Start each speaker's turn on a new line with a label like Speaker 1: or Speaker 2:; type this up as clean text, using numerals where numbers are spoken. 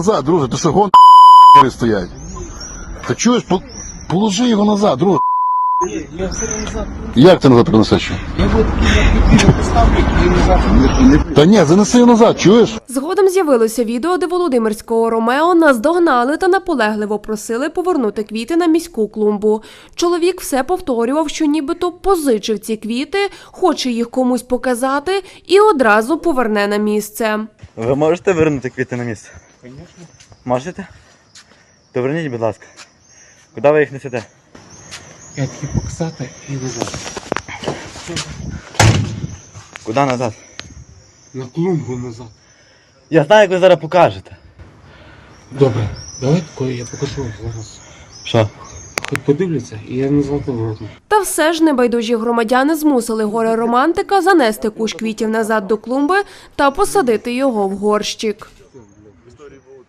Speaker 1: назад, друже, ти що, гон стоять? Та чуєш, положи його назад, друже.
Speaker 2: Ні, я все назад.
Speaker 1: Як ти назад принесеш?
Speaker 2: Я вот на поставлю і назад.
Speaker 1: Та ні, занеси його назад, чуєш?
Speaker 3: Згодом з'явилося відео, де володимирського Ромео наздогнали та наполегливо просили повернути квіти на міську клумбу. Чоловік все повторював, що нібито позичив ці квіти, хоче їх комусь показати і одразу поверне на місце.
Speaker 4: Ви можете вернути квіти на місце?
Speaker 2: Звісно.
Speaker 4: Можете? То верніть, будь ласка. Куди ви їх несете?
Speaker 2: Я тільки показати і назад.
Speaker 4: Куди назад?
Speaker 2: На клумбу назад.
Speaker 4: Я знаю, як ви зараз покажете.
Speaker 2: Добре, давай такое я покажу зараз.
Speaker 4: Що?
Speaker 2: Хоч подивляться, і я назад поверну.
Speaker 3: Та все ж небайдужі громадяни змусили горе-романтика занести кущ квітів назад до клумби та посадити його в горщик.